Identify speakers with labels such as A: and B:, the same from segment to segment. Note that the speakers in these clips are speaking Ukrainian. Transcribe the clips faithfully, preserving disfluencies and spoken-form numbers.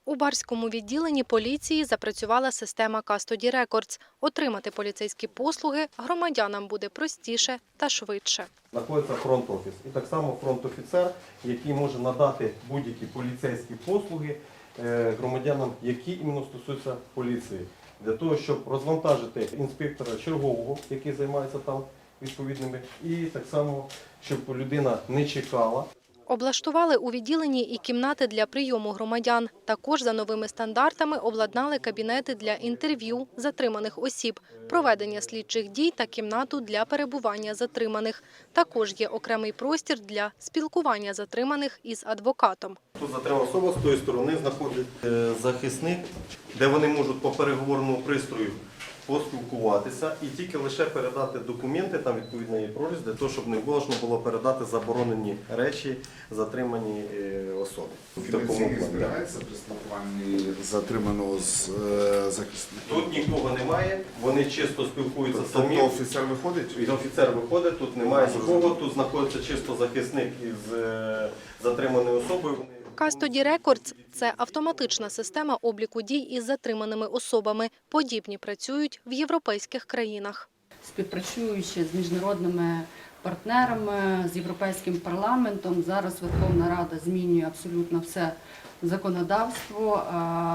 A: У Барському відділенні поліції запрацювала система Custody Records. Отримати поліцейські послуги громадянам буде простіше та швидше.
B: Знаходиться фронт-офіс. І так само фронт-офіцер, який може надати будь-які поліцейські послуги громадянам, які іменно стосуються поліції. Для того, щоб розвантажити інспектора чергового, який займається там відповідними, і так само, щоб людина не чекала.
A: Облаштували у відділенні і кімнати для прийому громадян. Також за новими стандартами обладнали кабінети для інтерв'ю затриманих осіб, проведення слідчих дій та кімнату для перебування затриманих. Також є окремий простір для спілкування затриманих із адвокатом.
B: Тут затримана особа, з тої сторони знаходиться захисник, де вони можуть по переговорному пристрою поспілкуватися і тільки лише передати документи, там відповідно є проріз, для того, щоб не можна було передати заборонені речі затриманій особі.
C: Фінансійний збирається при спілкуванні затриманого з захисником?
B: Тут нікого немає, вони чисто спілкуються самі.
C: Тобто офіцер виходить?
B: І офіцер виходить, тут немає нікого, тут знаходиться чисто захисник із затриманою особою.
A: Custody Records – це автоматична система обліку дій із затриманими особами. Подібні працюють в європейських країнах.
D: Співпрацюючи з міжнародними партнерами, з Європейським парламентом, зараз Верховна Рада змінює абсолютно все законодавство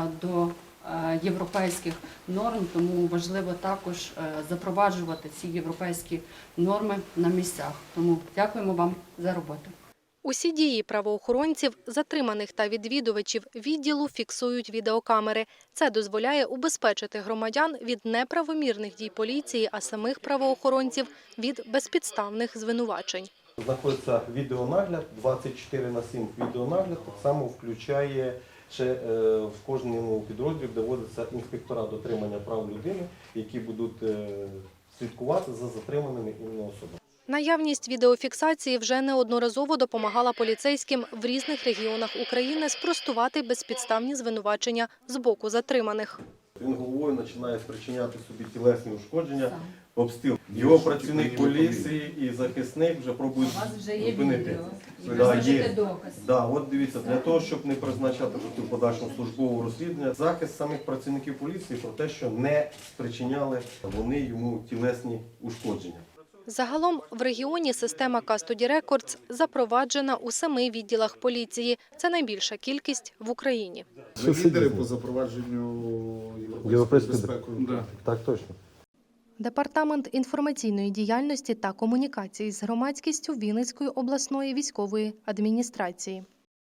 D: до європейських норм, тому важливо також запроваджувати ці європейські норми на місцях. Тому дякуємо вам за роботу.
A: Усі дії правоохоронців, затриманих та відвідувачів відділу фіксують відеокамери. Це дозволяє убезпечити громадян від неправомірних дій поліції, а самих правоохоронців – від безпідставних звинувачень.
B: Знаходиться відеонагляд, двадцять чотири на сім відеонагляд, так само включає ще в кожному підрозділі, де вводяться інспектора дотримання прав людини, які будуть слідкувати за затриманими іменно особами.
A: Наявність відеофіксації вже неодноразово допомагала поліцейським в різних регіонах України спростувати безпідставні звинувачення з боку затриманих.
B: Він головою починає спричиняти собі тілесні ушкодження, обстріл. Його працівник поліції і захисник вже пробують зупинити. Да, є. Да, от дивіться, для того, щоб не призначати в подальшому службового розслідування, захист самих працівників поліції про те, що не спричиняли вони йому тілесні ушкодження.
A: Загалом в регіоні система Custody Records запроваджена у семи відділах поліції. Це найбільша кількість в Україні.
C: Ви лідери по запровадженню європейської безпеки?
B: Да. Так точно.
A: Департамент інформаційної діяльності та комунікації з громадськістю Вінницької обласної військової адміністрації.